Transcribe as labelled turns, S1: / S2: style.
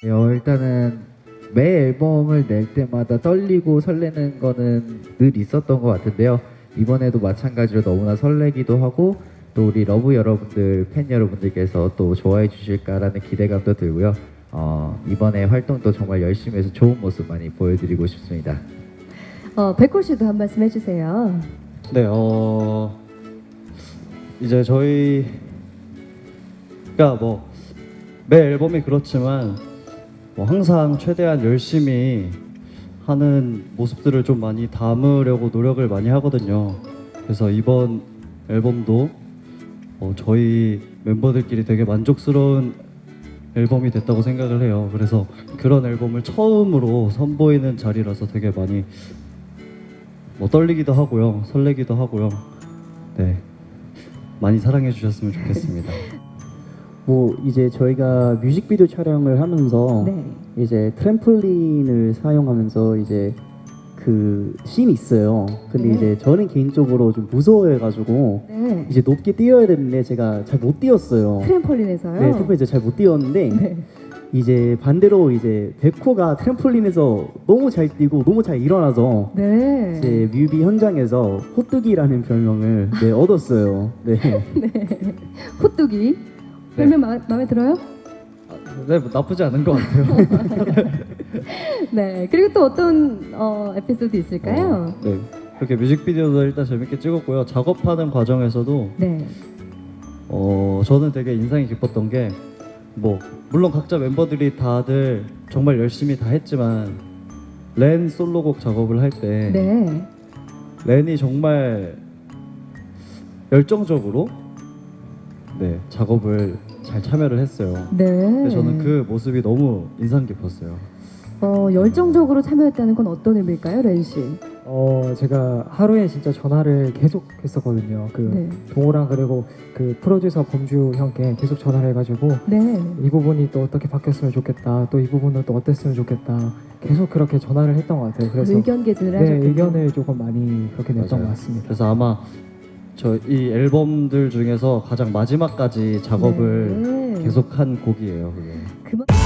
S1: 일단은 매 앨범을 낼 때마다 떨리고 설레는 거는 늘 있었던 것 같은데요. 이번에도 마찬가지로 너무나 설레기도 하고 또 우리 러브 여러분들, 팬 여러분들께서 또 좋아해 주실까라는 기대감도 들고요. 이번에 활동도 정말 열심히 해서 좋은 모습 많이 보여드리고 싶습니다.
S2: 백호 씨도 한 말씀 해주세요.
S3: 네, 이제 저희가 뭐 매 앨범이 그렇지만 뭐 항상 최대한 열심히 하는 모습들을 좀 많이 담으려고 노력을 많이 하거든요. 그래서 이번 앨범도 저희 멤버들끼리 되게 만족스러운 앨범이 됐다고 생각을 해요. 그래서 그런 앨범을 처음으로 선보이는 자리라서 되게 많이 떨리기도 하고요, 설레기도 하고요. 네, 많이 사랑해 주셨으면 좋겠습니다.
S4: 뭐 이제 저희가 뮤직비디오 촬영을 하면서
S2: 네.
S4: 이제 트램폴린을 사용하면서 이제 그 씬이 있어요. 근데
S2: 네.
S4: 이제 저는 개인적으로 좀 무서워해가지고
S2: 네.
S4: 이제 높게 뛰어야 되는데 제가 잘 못 뛰었어요.
S2: 트램폴린에서요?
S4: 네, 트램폴린 잘 못 뛰었는데
S2: 네.
S4: 이제 반대로 이제 백호가 트램폴린에서 너무 잘 뛰고 너무 잘 일어나서
S2: 네.
S4: 이제 뮤비 현장에서 호뚜기라는 별명을 얻었어요. 네.
S2: 호뚜기. 별명 마음에 들어요?
S3: 네, 뭐 나쁘지 않은 것 같아요.
S2: 네. 그리고 또 어떤 에피소드 있을까요?
S3: 네, 그렇게 뮤직비디오도 일단 재밌게 찍었고요. 작업하는 과정에서도
S2: 네.
S3: 저는 되게 인상이 깊었던 게 뭐 물론 각자 멤버들이 다들 정말 열심히 다 했지만 렌 솔로곡 작업을 할 때
S2: 네.
S3: 렌이 정말 열정적으로 작업을 잘 참여를 했어요.
S2: 네.
S3: 근데 저는 그 모습이 너무 인상 깊었어요.
S2: 열정적으로 참여했다는 건 어떤 의미일까요, 렌 씨?
S5: 제가 하루에 진짜 전화를 계속 했었거든요. 그
S2: 네.
S5: 동호랑 그리고 그 프로듀서 범주 형께 계속 전화를 해가지고
S2: 네.
S5: 이 부분이 또 어떻게 바뀌었으면 좋겠다. 또 이 부분은 또 어땠으면 좋겠다. 계속 그렇게 전화를 했던 것 같아요. 그래서
S2: 의견 개진을
S5: 네,
S2: 하셨군요.
S5: 의견을 조금 많이 그렇게 냈던
S3: 맞아요.
S5: 것 같습니다.
S3: 그래서 아마 저 이 앨범들 중에서 가장 마지막까지 작업을
S2: 네.
S3: 계속한 곡이에요. 그게.
S2: 그만...